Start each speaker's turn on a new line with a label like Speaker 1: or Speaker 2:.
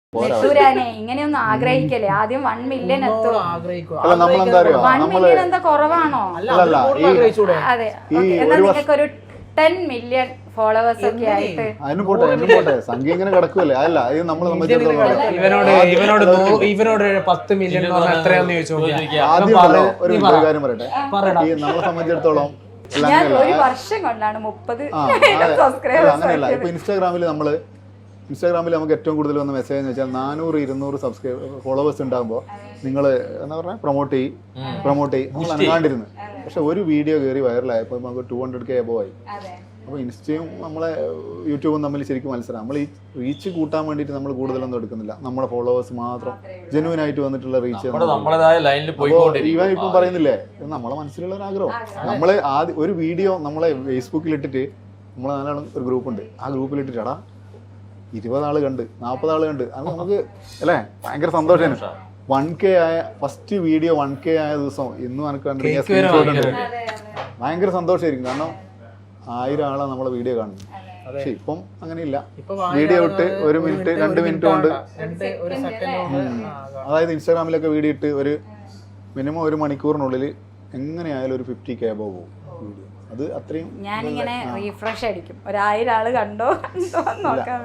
Speaker 1: നെട്ടൂരാനെ ഇങ്ങനെയൊന്നും ആഗ്രഹിക്കല്ലേ. ആദ്യം 1 മില്യൺ എത്തും. 1 മില്യൺ എന്താ കുറവാണോ? അതെ, എന്നാ നിങ്ങൾക്ക് ഒരു 10 മില്യൺ ഫോളോവേഴ്സ് ഒക്കെ ആയിട്ട്
Speaker 2: പോട്ടെ സംഖ്യ ഇങ്ങനെ കിടക്കുമല്ലേ. അല്ല ഇത് നമ്മളെ
Speaker 3: ഇവനോട് 10 മില്യൺ എത്രയാന്ന് ചോദിച്ചു.
Speaker 2: ആദ്യം ഒരു കാര്യം പറയട്ടെ, നമ്മളെ സംബന്ധിച്ചിടത്തോളം
Speaker 1: ഞാൻ ഒരു വർഷം കൊണ്ടാണ് 30 സബ്സ്ക്രൈബേഴ്സ്.
Speaker 2: അങ്ങനെയല്ല. ഇപ്പൊ ഇൻസ്റ്റാഗ്രാമിൽ നമുക്ക് ഏറ്റവും കൂടുതൽ വന്ന മെസ്സേജ് എന്ന് വെച്ചാൽ 400-200 ഫോളോവേഴ്സ് ഉണ്ടാകുമ്പോൾ നിങ്ങൾ എന്താ പറഞ്ഞാൽ പ്രൊമോട്ട് ചെയ്യും നമ്മൾ അനങ്ങാണ്ടിരുന്നു. പക്ഷെ ഒരു വീഡിയോ കയറി വൈറലായപ്പോൾ നമുക്ക് 200K എബോവ് ആയി. അപ്പോൾ ഇൻസ്റ്റയും നമ്മളെ യൂട്യൂബും തമ്മിൽ ശരിക്കും മത്സരം. നമ്മൾ ഈ റീച്ച് കൂട്ടാൻ വേണ്ടിയിട്ട് നമ്മൾ കൂടുതലൊന്നും എടുക്കുന്നില്ല. നമ്മുടെ ഫോളോവേഴ്സ് മാത്രം ജെന്യൂൻ ആയിട്ട് വന്നിട്ടുള്ള റീച്ച്. ഈവൻ ഇപ്പം പറയുന്നില്ലേ, നമ്മളെ മനസ്സിലുള്ള ഒരു ആഗ്രഹം. നമ്മൾ ആദ്യം ഒരു വീഡിയോ നമ്മളെ ഫേസ്ബുക്കിൽ ഇട്ടിട്ട് നമ്മളെ നാലാണ് ഒരു ഗ്രൂപ്പുണ്ട്, ആ ഗ്രൂപ്പിൽ ഇട്ടിട്ടാ 20 ആള് കണ്ട് 40 ആള് കണ്ട്, അത് നമുക്ക് അല്ലേ ഭയങ്കര സന്തോഷമാണ്. 1K ആയ ഫസ്റ്റ് വീഡിയോ 1K ആയ ദിവസം ഇന്നും എനിക്ക് കണ്ടിട്ട് ഭയങ്കര സന്തോഷമായിരിക്കും. കാരണം 1000 ആളാണ് നമ്മളെ വീഡിയോ കാണുന്നത്. പക്ഷെ ഇപ്പം അങ്ങനെയില്ല. വീഡിയോ ഇട്ട് 1 മിനിറ്റ് 2 മിനിറ്റ് കൊണ്ട്, അതായത് ഇൻസ്റ്റാഗ്രാമിലൊക്കെ വീഡിയോ ഇട്ട് ഒരു മിനിമം 1 മണിക്കൂറിനുള്ളിൽ എങ്ങനെയായാലും ഒരു 50K അബോവ് പോകും വീഡിയോ. അത് അത്രയും
Speaker 1: ഞാനിങ്ങനെ റീഫ്രഷ് അടിക്കും, 1000 ആള് കണ്ടോ നോക്കാം.